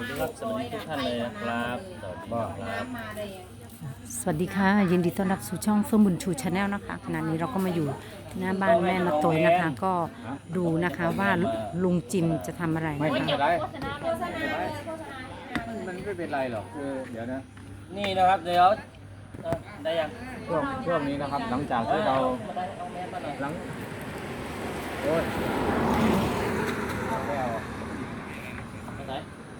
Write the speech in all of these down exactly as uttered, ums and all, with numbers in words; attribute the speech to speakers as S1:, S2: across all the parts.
S1: ดีครับสวัสดีทุกท่านเลยนะครับสวัสดีครับ
S2: สวัสดีค่ะยินดีต้อนรับสู่ช่องเฟื่องบุญชูชาแนลนะคะขณะนี้เราก็มาอยู่หน้าบ้านแม่นาตยนะคะ ก็ดูนะคะว่าลุงจิมจะทำอะไร
S3: ไม่
S2: นะคะ
S3: เป็นไรมันไม่เป็นไรหรอกคือเดี๋ยวนะ
S1: นี่นะครับเดี๋ยวเอ่อได้ยัง
S3: ช่วงช่วงนี้นะครับ หลังจากที่เรา
S1: เอาแมสมาหน่อย
S3: หลังโอ้ยไม่เอา
S1: เอาไหน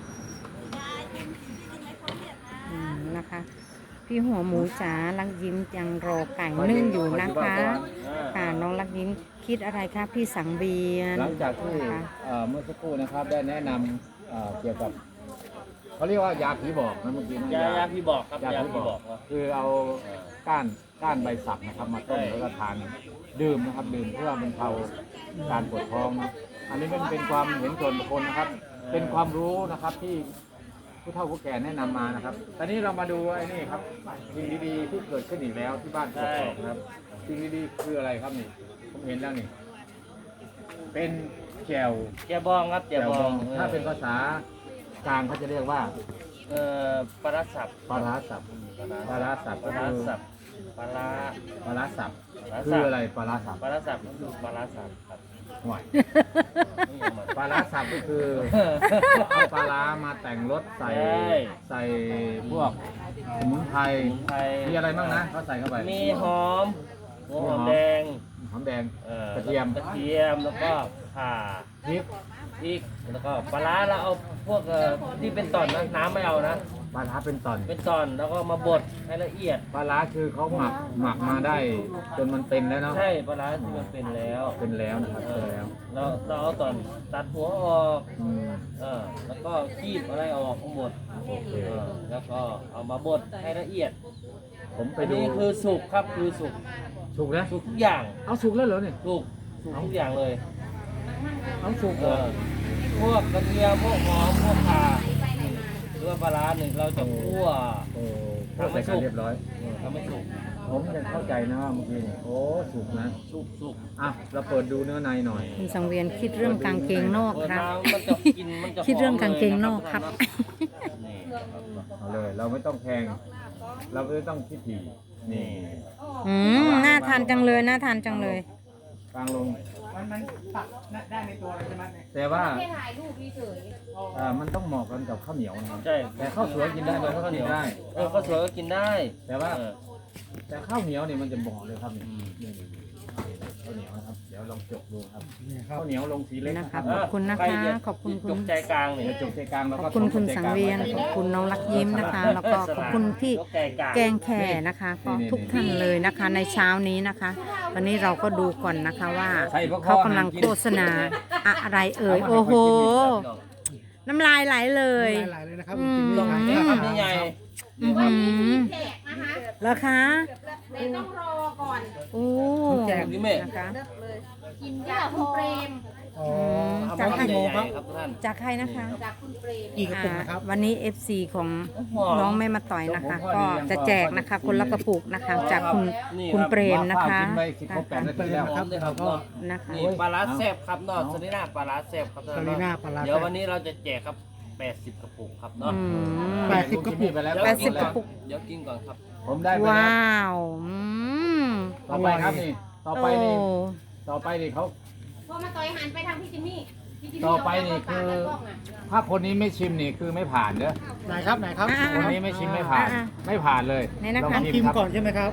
S2: อืมนะคะ พี่หัวหมูจ๋าลักยิ้มยังรอไก่นึ่งอยู่นะคะค่ะน้องลักยิ้มคิดอะไรคะพี่สังเวียน
S3: หลังจากที่
S2: นะคะ
S3: เอ่อเมื่อสักครู่นะครับได้แนะนำเอ่อเกี่ยวกับเขาเรียกว่ายาผีบอกนะเมื่อกี้นะ
S1: ยายาพี่บอกครับ
S3: ยาย
S1: า
S3: ผี
S1: พี่
S3: บบ อ
S1: อก กว่า
S3: คือเอาก้านก้านใบสักนะครับมาต้ม
S1: ใช่
S3: แล้วก็ทานดื่มนะครับดื่มเพื่อบรรเทาการปวดท้องนะอันนี้เป็นเป็นความเห็นส่วนบุคคลนะครับ เป็นความรู้นะครับที่ผู้เฒ่าผู้แก่แนะนำมานะครับ ตอนนี้เรามาดูไอ้นี่ครับสิ่งดีๆที่เกิดขึ้นอีกแล้วที่บ้านกกอกนะครับสิ่งดีๆคืออะไรครับนี่ผมเห็นแล้วนี่เป็นแจ่ว
S1: แกบองครับแก
S3: แจ่ว
S1: บบ อ
S3: อง งถ้าเป็นภาษากลางเขาจะเรียกว่า
S1: เอ่อปลาร้าสับ
S3: ปลาร้าสับปลาร้าสับ
S1: ปลาร้าสับปลาร้า
S3: ปลาร้าสับ
S1: ปลาร้าสับ
S3: คืออะไรปลาร้าสับ
S1: ปลาร้าสับก็คือปลาร้าสับครับ
S3: ห่วย
S1: นี่ยังไง
S3: ปลาร้าสับก็คือเอาปลาร้ามาแต่งรสใส่
S1: ใช่
S3: ใส่พวกสมุนไพร
S1: สมุนไพร
S3: มีอะไรบ้างนะเขาใส่เข้าไป
S1: มีหอมหัวหอมแดง
S3: หอมแดง
S1: อ่อก
S3: ระเทียม
S1: กระเทียมแล้วก็ข่า
S3: พริก
S1: พริกแล้วก็ปลาร้าเราเอาพวกเอ่อที่เป็นตอนนะน้ำไม่เอานะ
S3: ปลาร้าเป็นตอน
S1: เป็นตอนแล้วก็มาบดให้ละเอียด
S3: ปลาร้าคือเขาหมักหมักมาได้จนมันเป็นแล้วเนาะ
S1: ใช่ปลาร้าที่มันเป็นแล้ว
S3: เป็นแล้วนะครับ
S1: เอ
S3: เป็น
S1: อ
S3: แล้ว
S1: เราเราเอาตอนตัดหัวออก
S3: อืม
S1: เออแล้วก็คีบอะไรออกทั้งหมด
S3: โอเค
S1: เออแล้วก็เอามาบดให้ละเอียด
S3: ผมไป
S1: อัน
S3: ดู
S1: นี้คือสุกครับคือสุก
S3: สุกแล้ว
S1: สุกทุกอย่าง
S3: เอาสุกแล้วเหรอเนี่ย
S1: สุกสุกทุกอย่างเลย
S3: เอาสุก
S1: เอ
S3: เหรอ
S1: อพวกกระเทียมพวกหอมพวกข่าหรือว่าปลาร้าหนึ่งเราจะคั่ว
S3: โอ้พวกใส่กันเรียบร้อย
S1: ทำให้สุก
S3: ผมยังเข้าใจนะว่าเมื่อกี้นี่โอ้สุกนะ
S1: สุกสุก
S3: อ่ะเราเปิดดูเนื้อในหน่อย
S2: คุณสังเวียนคิดเรื่องกางเกงนอก
S1: เปิด
S2: ครับ
S1: มามันจะกินมันจะ
S2: คิดเรื่องกางเกงนอกครับ
S1: นี่
S3: เอาเลย เราไม่ต้องแพง เราไม่ต้องคิดถี่นี่
S2: อืมน่าทานจังเลยน่าทานจังเลย
S3: กลางลง
S4: มันมันตัดได้ในตัวเลยใช่ไหมเนี่ย
S3: แต่ว่า
S5: แค่ถ่ายรูปเฉย
S3: อ่ามันต้องเหมาะกันกับข้าวเหนียวนะครับ
S1: ใช่
S3: แต่ข้าวสวยกินได้ไหมข้าวเหนียวได้
S1: เออข้าวสวยก็กินได้
S3: แต่ว่า
S1: เออ
S3: แต่ข้าวเหนียวเนี่ยมันจะเหมาะเลยครับนี่
S1: อืม
S3: นี่นี่นี่ข้าวเหนียวนะครับ เดี๋ยวลองจกดูครับ
S4: นี่ครั
S3: ข้า
S4: บ
S3: วเหนียวลงสีเล็ก
S2: นะ
S3: นะค
S2: คะ
S3: รับ
S2: ขอบคุณนะ
S1: ใร
S2: คะ
S1: จ
S2: ขอบคุณ
S1: จ
S2: คุณ
S1: กใจกลางนี่
S3: เดี๋ยวจกใจกลางแล้ว
S2: ข
S3: ก็
S2: อบคุณ
S3: ทำ
S2: คุณ
S3: ใจ
S2: สั
S3: ก
S2: ง
S3: ลา
S2: เวียน
S3: ไ
S2: ขอบคุณน้องรักยิ้มนะคะ แล้วก็ขอบคุณพี่
S1: ยกใจกลาง
S2: แกงแข่นะคะก็ทุกท่านเลยนะคะ ในเช้านี้นะคะ วันนี้เราก็ดูก่อนนะคะว่า
S3: ใส่พว
S2: เขากำลังโฆษณาอะไรเอ่ยโอ้โห น้ำลายไหลเลย
S4: หลายๆเลยนะครับ
S2: อืม
S4: จริงๆ
S1: ลง
S4: นี่
S1: นี่
S4: ค
S1: ค
S4: รั
S1: รั
S4: บบ
S1: ใหญ่
S2: อื้อหือ
S5: ๆแจกนะคะ
S2: แล้วคะ
S5: แต่ต้องรอก่อน
S2: โอ้
S1: พี่เมฆ
S2: นะคะ
S5: กินจากคุณเปรม
S4: อ๋อ
S1: เอา
S2: จาก
S1: มา
S2: ใคร
S1: ใหญ่ๆครับทุกท่าน
S2: จากใครนะคะ
S5: จากคุณเปรม
S4: กี่กระปุกนะครับ
S2: อ่าวันนี้ เอฟ ซี ของ
S1: หอม
S2: น้องแม่มาต่อยนะคะ ก็จะแจกนะคะ คนละกระปุกนะคะ จากคุณคุณเปรมนะคะ
S3: กินไปสิบครบแปดนาทีแล้ว
S1: หอมเลยครับเนาะ
S2: นะคะ
S1: นี่ปลาร้าแซ่บครับเนาะสลิน่าปลาร้าแซ่บครับ
S4: สลิน่าปลาร้าแซ่บ
S1: เดี๋ยววันนี้เราจะแจกครับแปดสิบกระปุกครับเนาะ
S2: อืม
S4: แปดสิบกระปุก
S3: ไปแล้ว
S2: แปดสิบกระปุก
S1: เดี๋ยวกินก่อนครับ
S3: ผมได้ไปแล้ว
S2: ว้าวอืม
S3: ต่อไปครับนี่ ต่อไปนี่
S2: โอ้
S3: ต่อไปนี่เขา
S5: พอมาต่อยหันไปทางพี่จิมมี่พี่จิมมี่
S3: ต่อไปนี่คือ
S5: เาเข้าปากกันกล้งะ
S3: ถ้าคนนี้ไม่ชิมนี่คือไม่ผ่านเด้อ
S4: ไหนครับไหนครับ
S2: อ่า
S3: คนนี้ไม่ชิมไม่ผ่าน
S2: อ่า
S3: ไม่ผ่านเลย
S2: นี่นะคะ
S3: ล
S4: ต้อง
S3: ง
S4: ชิม
S3: ครับ
S4: ก่อนใช่ไหมครับ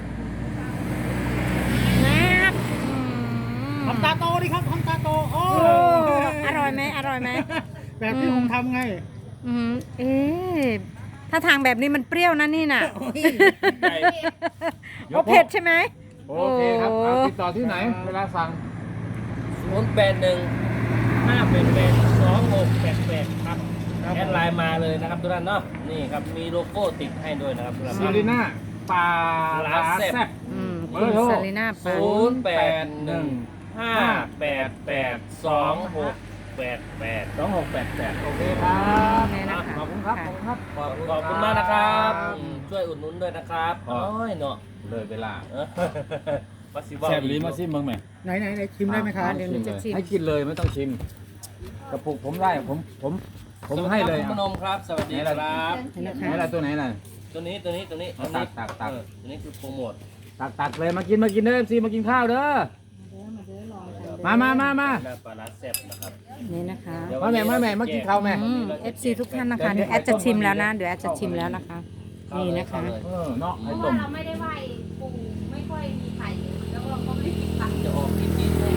S2: แซ่บอืม
S4: ทำตาโตดิครับทำตาโตโอ้
S2: โอ้อร่อยไหมอร่อยไหม
S4: แบบที่ผมทำไง
S2: อืมเอ๊ะถ้าทางแบบนี้มันเปรี้ยวนะนี่น่ะ
S1: ใหญ่
S2: โอเผ็ดใช่ไหม
S3: โอเคครับเอาติดต่อที่ไหน เวลาสั่ง
S1: ศูนย์แปดหนึ่งห้าแปดแปดสองหกแปดแปดครับแอดไลน์มาเลยนะครับทุกท่านเนาะนี่ครับมีโลโก้ติดให้ด้วยนะครับทุกท่าน
S3: ซิลิน่าปลาร้าแซ่บ
S2: อืม
S3: เบ
S2: คุ
S3: อ
S2: ณ
S3: ร์โทร
S2: ซาลิน่าปา
S1: ศูนย์แปดหนึ่งห้าแปดแปดสองหกแปดแปด
S3: สองหกแปดแปดโอเคครับ
S2: นี่นะคะ
S3: ขอบคุณครับ ขอบคุณครับ
S1: ขอบขอบคุณมากนะครับอืมช่วยอุดหนุนด้วยนะครับ
S3: ครับ
S1: โอ้ยเนาะ
S3: เลยเวลา
S1: เออมาสิว่า
S3: แซ่บลิ้นมาซิมบ้างไหม
S4: ไหนไหนไหนชิมได้ไหมครับ
S2: เดี๋ยวหนูจะชิม
S3: ให้กินเลยไม่ต้องชิม กระปุกผมได้ผมผมผมให้เลย
S1: คุณพนมครับ สวัสดีครับ
S2: นี่นะ
S3: ไหน
S2: คะ
S3: ล่ะตัวไหนล่ะ
S1: ตัวนี้ตัวนี้ตัวนี้
S3: เอาตักตักตัก
S1: เออตัวนี้คือโปรโมท
S3: ตักตักเลยมากินมากินเด้อเอฟซีมากินข้าวเด้อมามามามา
S1: หน้าปลาร้าแซ่บนะครับ
S2: นี่นะคะ
S1: เดี๋ยว
S3: มาแม่มาแม่มากินข้าวแม่
S2: อืม เอฟ ซี ทุกท่านนะคะเดี๋ยวแอดจะชิมแล้วนะเดี๋ยวแอดจะชิมแล้วนะคะ นี่นะคะ
S3: เออเนาะ
S5: เพ
S3: ให้
S5: ราะ
S3: ต้
S5: ว่าม เราไม่ได้ไหว้ปู่ไม่ค่อยมีไข่แล้วก็เขาไม่ได้กินไข่
S1: จะออกกินกินเลย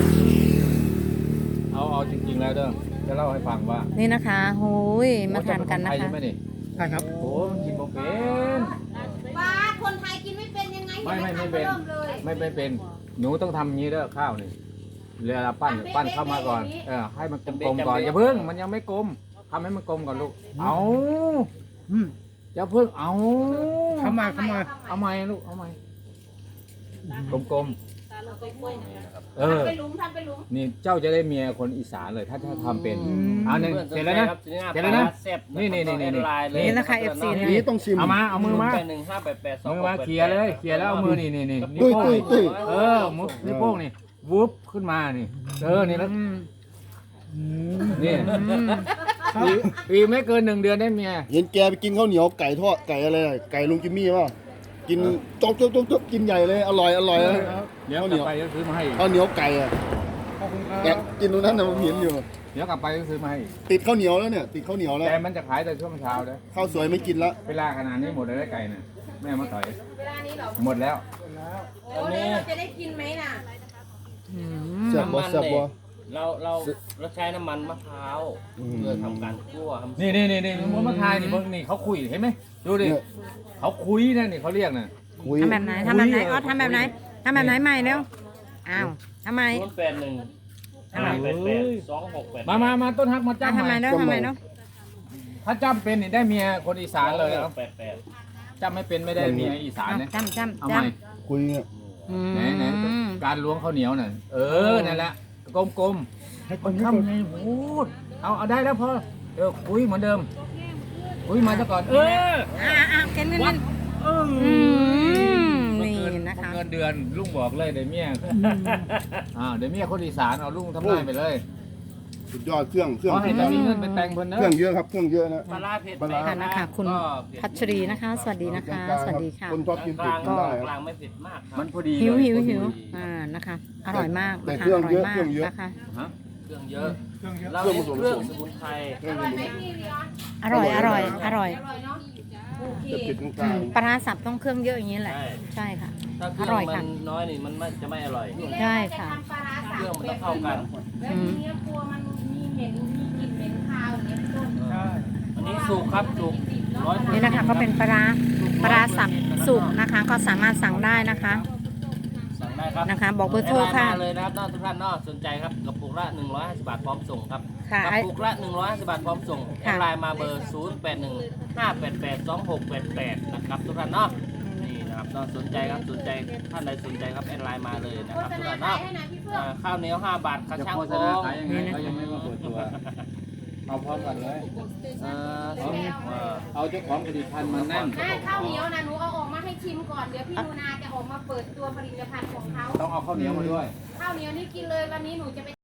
S3: เอาเอาจริงๆแล้วเด้อจะเล่าให้ฟังว่า
S2: นี่นะคะโอ้ยมาทานกันนะ
S3: โอ้จะเป็คไทย
S2: คะ
S3: ใช่ไหมนี่
S4: ใช่ครับ
S3: โอ้มันกินบ่เป็น
S5: บ้าคนไทยกินไม่เป็นยังไง
S3: ไม่ไม่ไม่
S5: ยัง
S3: เป็น
S5: ทำริ่มเลย
S3: ไม่ไม่เป็นหนูต้องทำอย่างนี้เด้อข้าวนี่เวลาปั้นปั้นเข้ามาก่อนเออให้มันกลมๆก่อนอย่าเพิ่งมันยังไม่กลมทำให้มันกลมก่อนลูกเอา
S4: อืม
S3: อย่าเพิ่งเอา
S4: ทำมาทำมา
S3: เอาใหม่ลูกเอาใหม่กลมๆเออ
S5: ทำเป็นหลุมทำเป็นหลุม
S3: นี่เจ้าจะได้เมียคนอีสานเลยถ้าถ้าทำเป็นเอาหนึ่งเสร็จแล้วนะ เสร็จแล้วนะ
S1: แซ่บ
S3: นี่นี่นี่นี่
S1: แอดไลเลย
S2: นี่นะคะ เอฟ ซี
S4: อันนี้ต้องชิม
S3: เอามาเอามือมา
S1: แปดหนึ่งห้าแปดแปดสอง
S3: มือมาเคลียร์เลยเคลียร์แล้วเอามือนี่นี่นี่นิ้ว
S4: ตุ้ย
S3: โป้ง
S4: ตุ้ย
S3: นี่
S4: ตุ้ย
S3: เออมือนิ้วโป้งนี่วุบขึ้นมานี่เออนี่แล้ว
S2: อืม
S3: นี่
S2: อืม
S3: ปีปีไม่เกินหนึ่งเดือนได้เมีย
S6: เห็นแกไปกินข้าวเหนียวไก่ทอดไก่อะไรอะไก่ลุงจิมมี่ป่ะกินจ๊อกจ๊อกจ๊อกจ๊อกกินใหญ่เลยอร่อยอร่อยเลย
S3: เดี๋ยวกลับไปก็ซื้อมาให้อีก
S6: ข้าวเหนียวไก่อะ
S4: ขอบคุณค
S6: แก
S4: รับ
S6: กินตรงนั้นนะผมเห็นอยู่
S3: เดี๋ยวกลับไปก็ซื้อมาให้อีก
S6: ติดข้าวเหนียวแล้วเนี่ยติดข้าวเหนียวแล้ว
S3: แต่มันจะขายแต่ช่วงเช้าเด้อ
S6: ข้าวสวยไม่กินละ
S3: เวลาขนาดนี้หมดเลยได้ไก่น่ะแม่มาต่อย
S5: เวลานี้เหรอ
S3: หมดแล้ว
S5: โอ้แล้วเราจะได้กินไหมน่ะ
S2: อืม
S6: แซ่บบ่
S1: น้ำมัน
S6: แซ่บ
S1: เนี่
S6: บ่
S1: ยเราเราเราใช้น้ำมันมะพร้าว
S6: อืม
S1: เพื่อทำการคั่วทำ
S3: นี่นี่นี่นี่ผมมาทายนี่เพิ่งนี่เขาคุยเห็นไหมดูดิ
S6: เนี่ย
S3: เขาคุยนะนี่เขาเรียกน่ะ
S6: คุย
S2: ทำแบบไหนทำแบบไหนอ๋อทำแบบไหนทำแบบไหนใหม่เร็วอ้าวทำไม
S1: ศูนย์แปดหนึ่ง
S2: ทำไม
S1: ห้าแปดแปดสองหกแปด
S3: มามามาต้นฮักมา
S2: อ่ะ
S3: จ้ำ
S2: ทำไม
S3: ใหม่
S2: เนาะทำไมเนาะ
S3: ถ้าจ้ำเป็นนี่ได้เมียคนอีสานเลยเอา
S1: แปดแปด
S3: จ้ำไม่เป็นไม่ได้เมียอีสาน
S2: อ่ะ
S3: นะ
S2: จำจำ
S3: เอา
S2: จ
S3: ใหม่
S6: คุยเนี่ย
S2: ำอืม
S3: ไหนไหนการล้วงข้าวเหนียวน่ะเออนั่นแหละกลม
S4: ให้
S3: ๆ
S4: ค
S3: มัน น
S4: นี้
S3: ข้า
S4: ก่อน
S3: ไงพูดเอาเอาได้แล้วพอเออคุยเหมือนเดิมคุยมาซะก่อนเออ
S2: อ่าอ่าเกินเงินเงิน
S3: เออ
S2: อืม
S3: เมื่อ
S2: นี่
S3: เกิน
S2: นะคะ
S3: เมื่อเงินเดือนลุงบอกเลยเดี๋ยวเมียอ่าเดี๋ยวเมียคนอีสานเอาลุงทำได้ไปเลย
S6: สุดยอดเครื่องเครื่อง
S3: ขอให้จะมีเงินไปแต่งเพิ่นเน
S6: เครื่อง
S3: อะ
S6: เยอะครับเครื่องเยอะนะ
S1: ปลาร้าเผ็ด
S6: ปลาร้า
S2: ค่ะนะคะคุณ
S1: ก็เผ็ด
S2: พัชรีนะคะ สวัสดีนะคะ สวัสดีค่ะ
S6: คนชอบกิน
S1: ก
S6: เผ็ด
S1: ลาง
S6: กินได้ค
S1: ก
S6: รับ
S1: ลางไม่เผ็ดมากครับ
S3: มันพอดี
S2: หิว
S3: เลย
S2: หิว
S3: พอดี
S2: หิวอ่านะคะ อร่อยมาก
S6: แต่
S2: นะคะ
S6: เครื่อง
S2: อร่อย
S6: เยอะ
S2: มาก
S6: เครื่องเยอะ
S2: นะคะ
S3: ฮะ
S1: เครื่องเยอะ
S4: เครื่องเยอะ
S1: เราเน้นเครื่องสมุนไพร
S5: อร่อยไหมพี่วิออน
S2: อร่อยอร่อยอร่อย
S5: อร่อยเนาะโอเค
S6: จะปิดตรงก
S2: อื
S6: ลาง
S2: มปลาร้าสับต้องเครื่องเยอะอย่างนี้แหละ
S1: ใช่
S2: ใช่ค่ะ
S1: ถ้าเครื่
S2: อ
S1: อง
S2: ร่อย
S1: มั
S2: ค่ะ
S1: นน้อยนี่มันไม่จะไม่อร่อย
S5: ทีแรก
S2: ใช่
S5: จะ
S2: ค่ะ
S5: ทำปลาร้าสับ
S1: เครื่องมันต้องเข้ากัน
S5: แล้วทีนี้กลัวมันมีเหม็นมีกลิ่นเหม็นคาวอย่างเงี้ยต้น
S4: ใช่
S1: อันนี้สุกครับสุกร้อย
S2: นี่นะคะก็เป็นปลาร้าปลาร้าสับสุกนะคะ ก็สามารถสั่งได้นะคะ
S1: สั่งได้ครับ
S2: นะคะบอกเบอร์โทรค่ะ
S1: แอดไลน์มาเลยนะครับน้องทุกท่านเนอกสนใจครับกระปุกละหนึ่งร้อยห้าสิบบาทพร้อมส่งครับ
S2: ค่ะ
S1: กระปุกละหนึ่งร้อยห้าสิบบาทพร้อมส่งแอ
S2: ค่ะ
S1: ดไลน์มาเบอร์ศูนย์แปดหนึ่งห้าแปดแปดสองหกแปดแปดนะครับทุกท่านเนาะนี่นะครับน้องสนใจครับสนใจท่านใดสนใจครับแอดไลน์มาเลยนะ
S5: โฆ
S1: ครับ
S5: ษ
S1: ทุก
S5: ณา
S1: ท่าน
S5: ขาย
S1: เนาะ
S5: ให้หน่อยพี่เฟื่อ
S1: อ่าง ข้าวเหนียวห้าบาทกระ
S3: จะ
S1: ชัง
S3: โฆษ
S1: โค้
S3: ณาง ขายยังไง
S2: นี่นะ
S3: เขายังไม่มาเปิดตัว เอาพร้อมกันเลย
S1: เอ่อเอาเอ่อ
S3: เอาเจ้าของผลิตภัณฑ์มานั่ง
S5: อ่าข้าวเหนียวนะหนูเอาออกมาให้ชิมก่อนเดี๋ยวพี่นูนาจะออกมาเปิดตัวผลิตภัณฑ์ของเขา
S3: ต้องเอาข้าวเหนียวมาด้วย
S5: ข้าวเหนียวนี่กินเลยวันนี้หนูจะไป